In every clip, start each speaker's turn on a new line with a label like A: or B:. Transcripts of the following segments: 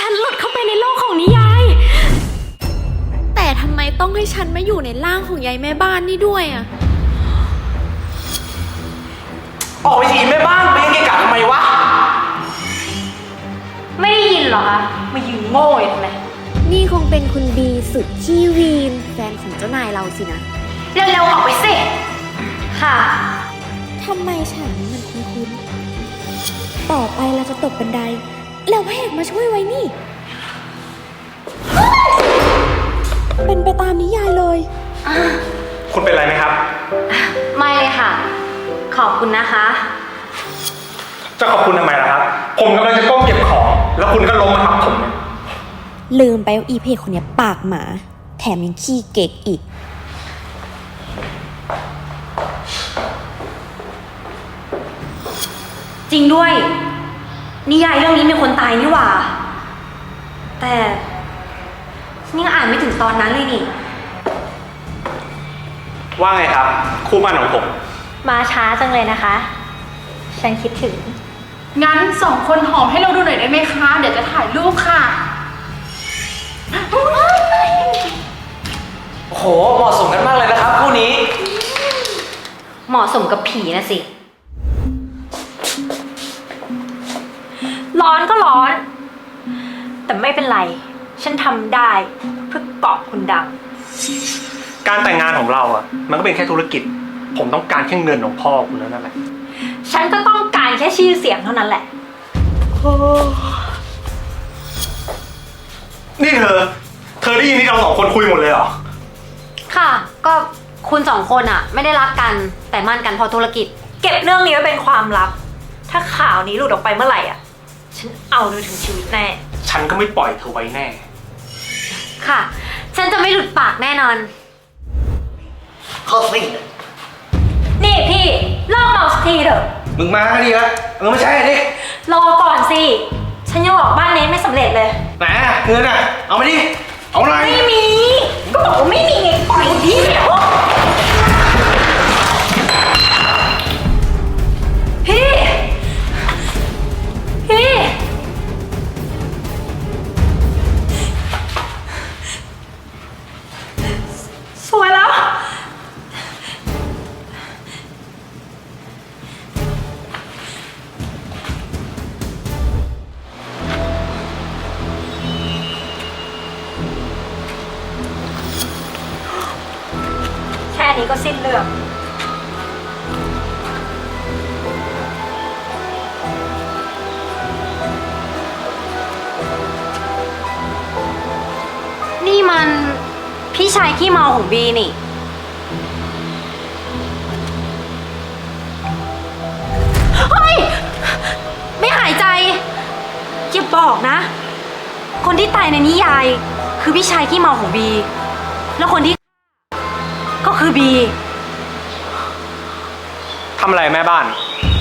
A: ฉันหลุดเข้าไปในโลกของนิยาย แต่ทำไมต้องให้ฉันมาอยู่ในร่างของยายแม่บ้านนี่ด้วยอะ
B: ออกไปทีแม่บ้านไปยังเกะกะทำไมวะ
C: ไม่ได้ยินเหรอคะมายืนโง่ทำไม
A: นี่คงเป็นคุณบีสุดขี้วีนแฟนของเจ้านายเราสินะ
C: เร็วๆออกไปสิค่ะ
A: ทำไมฉากนี้มันคุ้นๆต่อไปเราจะตกบันไดแล้วพระเอกมาช่วยไว้นี่เป็นไปตามนิยายเลย
B: คุณเป็นไรไหมครับ
C: ไม่เลยค่ะขอบคุณนะคะ
B: จะขอบคุณทำไมล่ะครับผมกำลังจะก้มเก็บของแล้วคุณก็ล้มมาทับผม
A: ลืมไปว่าอีเพจคนนี้ปากหมาแถมยังขี้เก๊กอีก
C: จริงด้วยนิยายเรื่องนี้มีคนตายนี่หว่าแต่นี่อ่านไม่ถึงตอนนั้นเลยนี่
B: ว่าไงครับคู่มั่นของผม
C: มาช้าจังเลยนะคะฉันคิดถึง
D: งั้น2 คนหอมให้เราดูหน่อยได้ไหมคะเดี๋ยวจะถ่ายรูปค่ะ
B: โอ้โหเหมาะสมกันมากเลยนะครับคู่นี้
C: เหมาะสมกับผีนะสิร้อนก็ร้อนแต่ไม่เป็นไรฉันทำได้เพื่อเกาะคุณดัง
B: การแต่งงานของเราอ่ะมันก็เป็นแค่ธุรกิจผมต้องการแค่เงินของพ่อคุณแล้วนั่นแหละ
C: ฉันก็ต้องการแค่ชื่อเสียงเท่านั้นแหละ
B: นี่เธอได้ยินที่เรา2 คนคุยหมดเลยเหรอ
C: ค่ะก็คุณ2 คนอ่ะไม่ได้รักกันแต่มั่นกันเพราะธุรกิจเก็บเรื่องนี้ไว้เป็นความลับถ้าข่าวนี้หลุดออกไปเมื่อไหร่อ่ะฉันเอาเธอถึงชีวิตแน่
B: ฉันก็ไม่ปล่อยเธอไว้แน่
C: ค่ะฉันจะไม่หลุดปากแน่นอน
B: เข้าสิ
C: นี่พี่เลิกเมาสักทีเถอะ
B: มึงมาดิละไม่ใช่ดิ
C: รอก่อนสิฉันยังหลอกบ้านเน้นไม่สำเร็จเลย
B: ไหนเงินอ่ะเอามาดิเอาหน่อย
C: ไม่มีก็บอกว่าไม่มีไงปล่อยดิพี่สวยแล้วแค่นี้ก็สิ้นเรื่องนี่มันพี่ชายขี้เมาของบีนี่เฮ้ยไม่หายใจอย่าบอกนะคนที่ตายในนิยายคือพี่ชายขี้เมาของบีแล้วคนที่ก็คือบี
B: ทำอะไรแม่บ้าน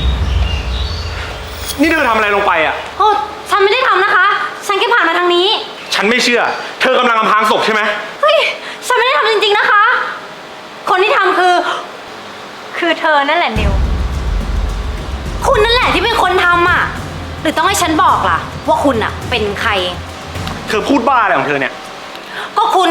B: นี่เธอทำอะไรลงไปอ่ะ
C: โอ้ฉันไม่ได้ทำนะคะฉันแค่ผ่านมาทางนี้
B: ฉันไม่เชื่อเธอกำลังอำพรางศพใช่ไหม
C: เฮ้ยฉันไม่ได้ทำจริงๆนะคะคนที่ทำคือเธอนั่นแหละนิวคุณนั่นแหละที่เป็นคนทำอ่ะหรือต้องให้ฉันบอกล่ะว่าคุณอ่ะเป็นใคร
B: เธอพูดบ้าอะไรของเธอเนี่ย
C: ก็คุณ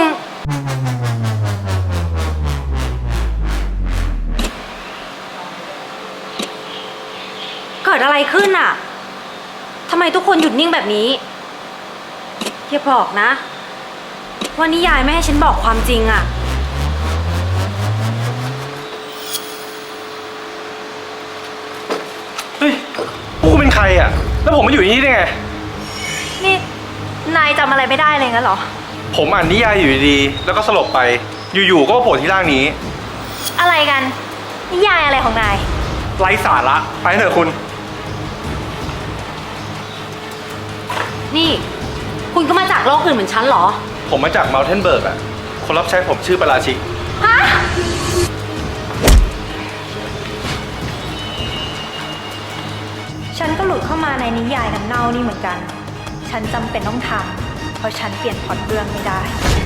C: เกิดอะไรขึ้นอ่ะทำไมทุกคนหยุดนิ่งแบบนี้อย่าบอกนะว่านิยายไม่ให้ฉันบอกความจริงอ่ะ
B: เฮ้ยพวกคุณเป็นใครอ่ะแล้วผมมาอยู่ที่นี่ได้ไง
C: นี่นายจำอะไรไม่ได้เลยงั้นเหรอ
B: ผมอ่านนิยายอยู่ดีๆแล้วก็สลบไปอยู่ๆก็โผล่ที่ร่างนี้
C: อะไรกันนิยายอะไรของนาย
B: ไร้สาระไปเถอะคุณ
C: นี่คุณก็มาจากโลกอื่นเหมือนฉันเหรอ
B: ผมมาจากเมลเทนเบิร์กอ่ะคนรับใช้ผมชื่อปราชิก
C: ฮะฉันก็หลุดเข้ามาในนิยายน้ำเน่านี่เหมือนกันฉันจำเป็นต้องทำเพราะฉันเปลี่ยนพล็อตเรื่องไม่ได้